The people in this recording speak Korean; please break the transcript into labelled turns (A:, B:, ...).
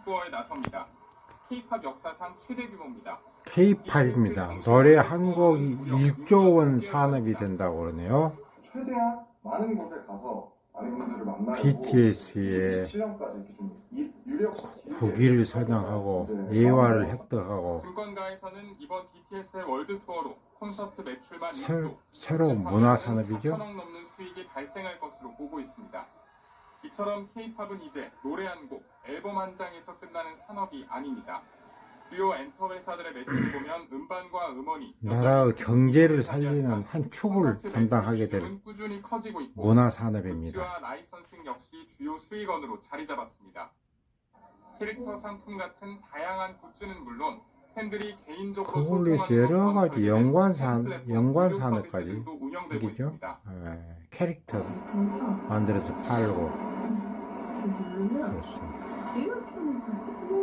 A: 투어에 나섭니다. K-팝 역사상 최대 규모입니다.
B: K-팝입니다. 노래 한 곡이 1조 원 산업이 된다고 그러네요.
C: 최대한 많은 곳에 가서 많은 분들을 만나고
B: BTS의
C: 27년까지 이렇게 좀 유력시
B: 국위를 선양하고 예화를 획득하고
A: 증권가에서는 이번 BTS의 월드 투어로 콘서트 매출만
B: 새로운 문화 산업이죠.
A: 4천억 넘는 수익이 발생할 것으로 보고 있습니다. 이처럼 K-팝은 이제 노래 한 곡, 앨범 한 장에서 끝나는 산업이 아닙니다. 주요 엔터 회사들의 매출을 보면 음반과 음원이
B: 나라의 경제를 살리는 한 축을 담당하게 될
A: 꾸준히 커지고 있고
B: 문화 산업입니다.
A: 굿즈와 라이선싱 역시 주요 수익원으로 자리 잡았습니다. 캐릭터 상품 같은 다양한 굿즈는 물론 팬들이 개인적으로
B: 그걸로 여러 가지 연관 산업까지
A: 운영되고
B: 이죠.
A: 있습니다.
B: 캐릭터 만들어서 팔고 그렇습니다.
D: 이렇게 하면 다 뜨고